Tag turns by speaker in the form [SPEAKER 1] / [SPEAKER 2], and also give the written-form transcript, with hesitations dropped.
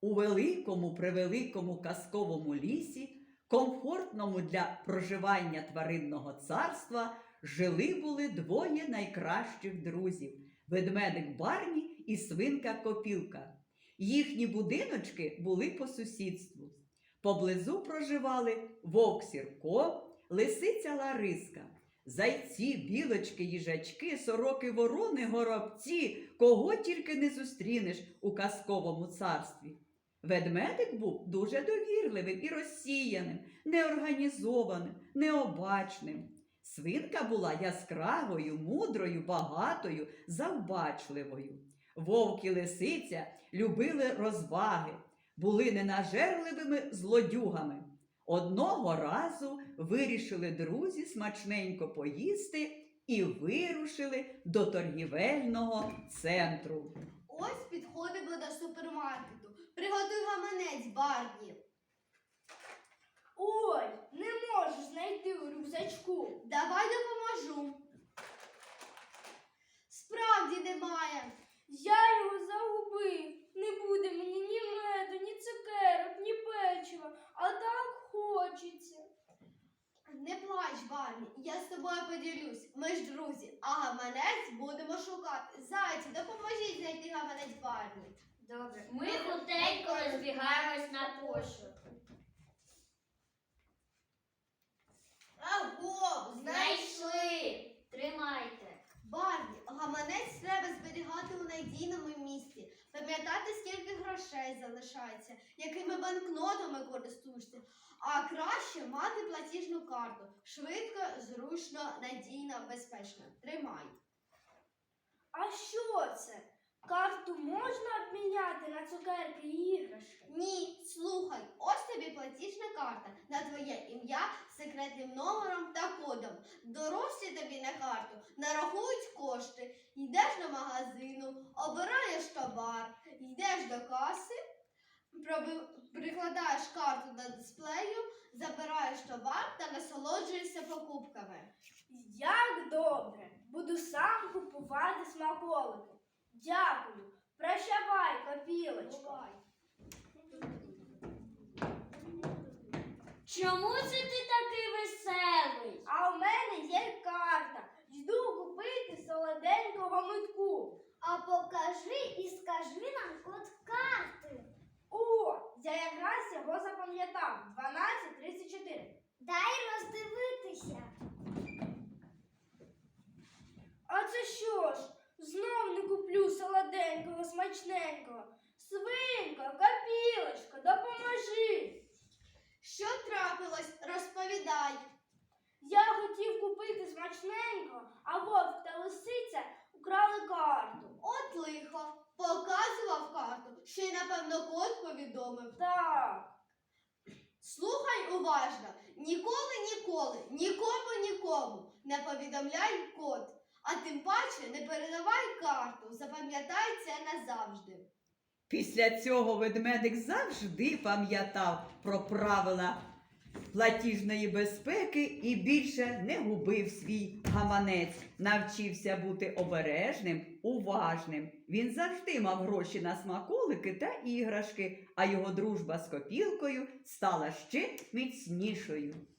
[SPEAKER 1] У великому-превеликому казковому лісі, комфортному для проживання тваринного царства, жили-були двоє найкращих друзів – ведмедик Барні і свинка Копілка. Їхні будиночки були по сусідству. Поблизу проживали вовк Сірко, лисиця Лариска. Зайці, білочки, їжачки, сороки, ворони, горобці, кого тільки не зустрінеш у казковому царстві. Ведмедик був дуже довірливим і розсіяним, неорганізованим, необачним. Свинка була яскравою, мудрою, багатою, завбачливою. Вовк і лисиця любили розваги, були ненажерливими злодюгами. Одного разу вирішили друзі смачненько поїсти і вирушили до торгівельного центру.
[SPEAKER 2] Ось підходимо до супермаркету. Приготуй гаманець, Барні.
[SPEAKER 3] Ой, не можу знайти у рюкзачку.
[SPEAKER 2] Давай допоможу. Справді немає.
[SPEAKER 3] Я його загубив. Не буде мені ні меду, ні цукерок, ні печива, а так хочеться.
[SPEAKER 2] Не плач, Барні, я з тобою поділюсь. Ми ж друзі, а гаманець будемо шукати. Зайці, допоможіть знайти гаманець Барні.
[SPEAKER 4] Добре. Ми хутенько розбігаємось на пошук.
[SPEAKER 2] Аго,
[SPEAKER 4] Знайшли! Тримайте.
[SPEAKER 2] Барні, гаманець треба зберігати у надійному місці. Пам'ятати, скільки грошей залишається, якими банкнотами користуєшся. А краще мати платіжну карту. Швидко, зручно, надійно, безпечно. Тримай.
[SPEAKER 3] А що це? Карту можна обміняти на цукерки і іграшки?
[SPEAKER 2] Ні, слухай, ось тобі платіжна карта на твоє ім'я з секретним номером та кодом. Дорослі тобі на карту нарахують кошти. Йдеш до магазину, обираєш товар, йдеш до каси, прикладаєш карту до дисплею, забираєш товар та насолоджуєшся покупками.
[SPEAKER 3] Як добре! Буду сам купувати смаколики. Дякую. Прощавай, Копілочко.
[SPEAKER 4] Чому це ти такий веселий?
[SPEAKER 3] А в мене є карта. Йду купити солоденького митку.
[SPEAKER 5] А покажи і скажи нам код карти.
[SPEAKER 3] О, я якраз його запам'ятав. 1234.
[SPEAKER 5] Дай роздивитися.
[SPEAKER 3] А це що ж? Знов не куплю солоденького, смачненького. Свинко, Копілочко, допоможи.
[SPEAKER 2] Що трапилось? Розповідай.
[SPEAKER 3] Я хотів купити смачненько, а вовк та лисиця украли карту.
[SPEAKER 2] От лихо. Показував карту, ще й, напевно, код повідомив.
[SPEAKER 3] Так.
[SPEAKER 2] Слухай уважно. Нікому не повідомляй код. А тим паче не передавай карту. Запам'ятай це назавжди.
[SPEAKER 1] Після цього ведмедик завжди пам'ятав про правила платіжної безпеки і більше не губив свій гаманець. Навчився бути обережним, уважним. Він завжди мав гроші на смаколики та іграшки, а його дружба з Копілкою стала ще міцнішою.